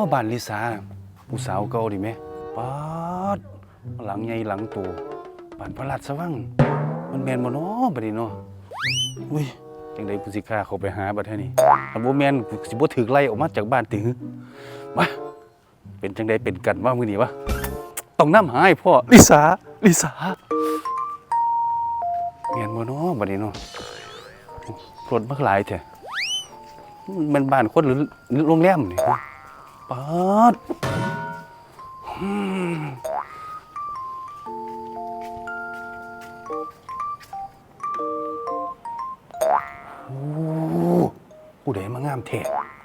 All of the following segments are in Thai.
บ้านลิสาผู้สาวเก่าดิแม่ป๊าดหลังใหญ่หลังโตบ้านพระราชวังมันแม่นบ่เนาะบัดนี้เนาะอุ้ยจังได๋กูสิกล้าเข้าไปหาบัดเท่านี้ถ้าบ่แม่นกูสิบ่ถูกไล่ออกมาจากบ้านติหึมาเป็นจังได๋เป็นกันว่ามื้อนี้วะต้องนำหาให้พ่อลิสาแม่นบ่เนาะบัดนี้เนาะรถบักหลายแท้มันบ้านคนหรือโรงแรมนี่ป๊าดโอ้ผู้ใดมางามแท้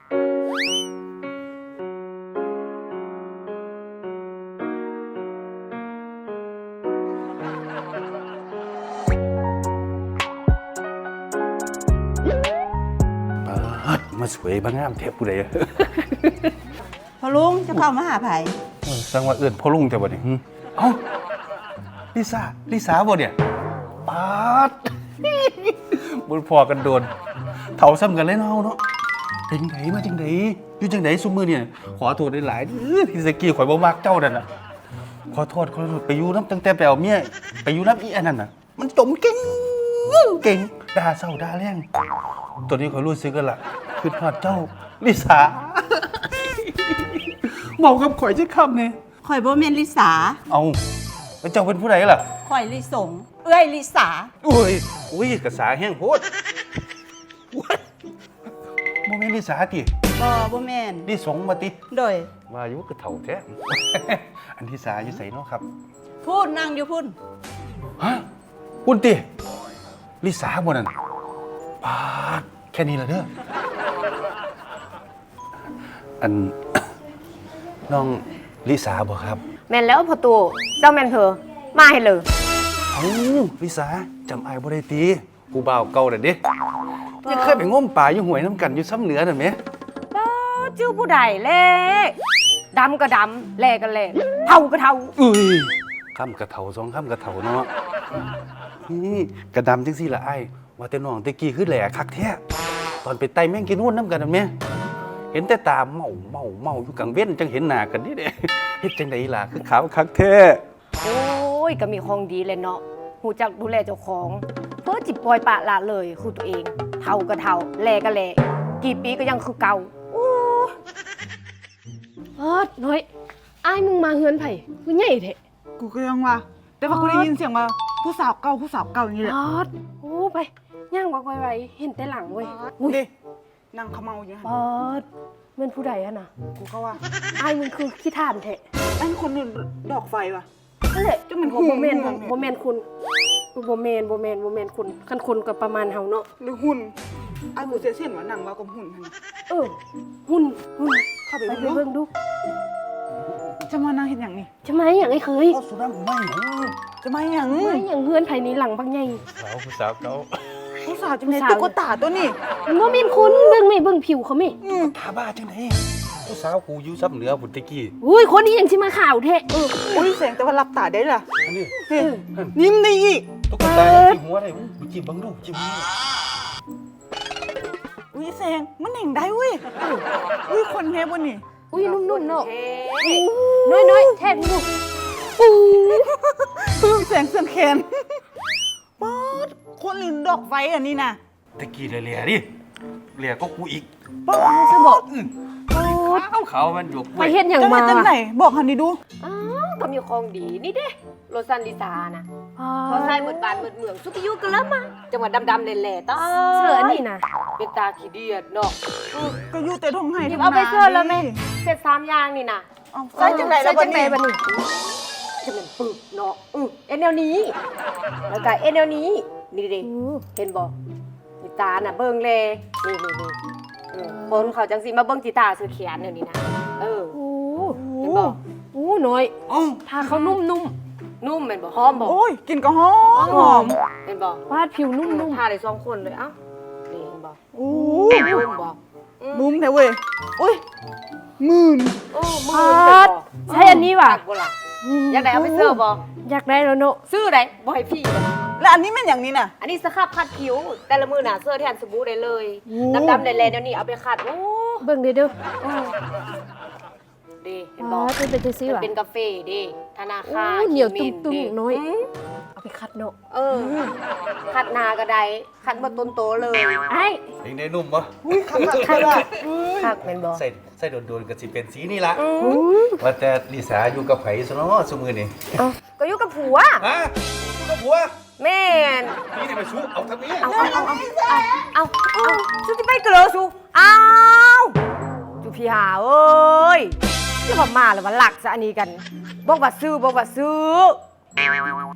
มาสวยมางามแท้ผู้ใดพอลุงจะเข้ามาหาไผสังว่าเอื้อนพ่อลุงแต่บ่นี่เอ้าลิสาบ่เนี่ยป๊าด บ่พอกันโดนเฒ่าซ้ำกันเลยเนาะเนาะเป็นไงมาจังไดอยู่จังไดซุมื้อเนี่ยขอโทษหลายๆที่สกี้ข่อยบ่มักเจ้านั่นน่ะขอโทษไปอยู่นำตั้งแต่ไปเอาเมียไปอยู่นำอีอันนั้นน่ะมันจมเก่งด่าเศร้าด่าแรงตัวนี้ข่อยรู้สึกแล้วล่ะคือฮอดเจ้าลิสา เมากับข่อยจะคำเนี่ยข่อยบ่แม่นลิสาเอาแล้วเจ้าเป็นผู้ใดล่ะข่อยลิสงเอ้ยลิสาอุ้ยกระสาแห้งโพดโมเมนต์ลิสาติบ่แม่นลิสงมาติโดยว่าอยู่กระเถ่าแท้ อันที่สาอยู่ใส่เนาะครับพูดนั่งอยู่พุ่นฮะพุ่นติลิสาบ่นั่นปาดแค่นี้ละเด้ออัน น้องลิสาบ่ครับแม่นแล้วพอตู่เจ้าแม่นเพอมาให้เลยเอ้าลิสาจำอายบ่ได้ติผู้บ่าวเก่าน่ะเด้ยังเคยไปง้มป่าอยู่ห้วยน้ำกันอยู่ซ้ำเหนือนั่นแหมจื้อผู้ใดเล่ดำก็ดำแหลก็แหลเท่าก็เท่าอุ้ยคำกระเถาสองคำกระเถาเนาะนี่กระดำจังซี่ละไอ้ว่าแต่น้องตะกี้คือแหล่คักแท้ตอนไปไต่แม่งกินนู่นน้ำกันนั่นแหมเห็นแต่ตาเมาอยู่กลางเว้นจังเห็นหน้ากันนี่เด้เฮ็ดจังไดล่ะคือขาวคักแท้โอ้ยก็มีของดีเลยเนาะหูจักดูแลเจ้าของเพื่อจิบปล่อยปะละเลยคือตัวเองเท่าก็เท่าแหลก็แหลกี่ปีก็ยังคือเก่าน้อยอ้ายมึงมาเฮือนไผคือใหญ่แท้กูก็ยังว่าแต่ว่ากูได้ยินเสียงว่าผู้สาวเก่าอย่างนี้แหละโอ้ไปย่างวักไวๆเห็นแต่หลังเว้ยดินั่งเขม่าอยู่ปอดเป็นผู้ใดอะนะกูก็ว่าอ้ายมึงคือขี้ท่านแท้ไอ้คนนึงดอกไฟว่ะนั่นแหละจะมันโบเมนหุ่นโบเมนคุณโบเมนคุณคันคุณกับประมาณเฮาเนาะหรือหุ่นไอ้กูเสียเส้นว่านั่งว่ากับหุ่นหั่นน่ะหุ่นเข้าไปไปเบิ่งเบิ่งดูจะมานั่งเห็นอย่างนี้จะมาอย่างไอ้เคยเอาสุดาไม่หนูจะมาอย่างมาอย่างเฮือนไผนี้หลังบางใหญ่ผู้สาวเก่าผู้สาวจังได๋ตุ๊กตาตัวนี้โบเมนคุณเบิ่งไม่เบิ่งผิวเขาไม่ตาบ้าจังไดผู้สาวกูอยู่ซ้ำเหนือพุ่นตะกี้อุ้ยคนนี้ยังสิมาข่าวแท้อุ้ยแสงแต่ว่ารับตาได้ล่ะอันนี้เฮ้ยยิ้มได้อีกตุ๊กตาจิ้มหัวได้จิ้มบังดูจิ้มหัวอุ้ยแสงมันแห่งได้เว้ยอุ้ยคนเฮบนนี่อุ้ยนุ่มๆเนาะน้อยๆแทนดูปูแสงเสื่อมแขนป๊อดคนอื่นดอกไฟอันนี้นะตะกี้เหลี่ยดิเหลี่ยก็กูอีกป๊อดจะบอกขาวมันหยวกไปเฮ็ดหยังจะมามาจังไหนบอกหันดีดูอ้าวก็มีของดีนี่เด้โรซันลิซานะพอใส่หมดบานหมดเมืองสุกิยุกันแล้วมาจังหวัดดำๆแหล่ๆต้อเสื้อนี่นะเป็นตาขี้เดียดเนาะก็อยู่แต่ทงไห้หยิบเอาไปเสื้อแล้วแม่เสร็จ3อย่างนี่นะเอาใส่จังไหนแล้วใส่บัจัดงนี้ไหนบัดนี้จะเป็นปึกเนาะเอ็นแนวนี้แล้วก็เอ็นแนวนี้นี่ดิเห็นบ่นี่ตาน่ะเบิ่งเลยนี่บนเขาจังสิมาเบิ่งจิตาซื้อเขียนเดี๋ยวนี้นะเห็นบ่น้อยถ้าเขานุ่มนุ่มเป็นบ่หอมบ่โอ้ยกินก็หอมหอมเป็นบ่วาดผิวนุ่มๆทาได้2คนเลยเอ้านี่เห็นบ่โอ้นุ่มบ่นุ่มแท้เว้ยอุ้ยมื่นมือใช่อันนี้ว่ะอยากได้เอาไปเสื้อบ่อยากได้แล้วเนาะซื้อได้บ่ให้พี่แล้วอันนี้มันอย่างนี้น่ะอันนี้สครับคัดผิวแต่ละมือน่ะเสื้อแทนสบู่ได้เลยดำๆแลๆเดี๋ยวนี้เอาไปคัดโอ้เบิ่งเด้อเห็นบ่มันเป็นจังซี่มันว่ะเป็นกาแฟเด้ธนาโอ้คารเหนียวขีตุ้มเด้ๆน้อยมเอาไปคัดเนาะคัดหนาก็ได้คัดบ่ต้นโตเลยไอ้เองได้นุ่มบ่คักแม่นบ่ใส่โดนๆก็สิเป็นสีนี่ล่ะอืมว่าแต่ลิสาอยู่กับไผซะเนาะซุมื้อนี้เอ้าก็อยู่กับผัวฮะอยู่กับผัวแม่นนี่นี่มาชูเอาทางนี้เอาสุที่ไปเกลือสุเอาจุพี่หาเอ้ยแล้วมาแล้วมาหลักซะอันนี้กันบอกว่าซื้อ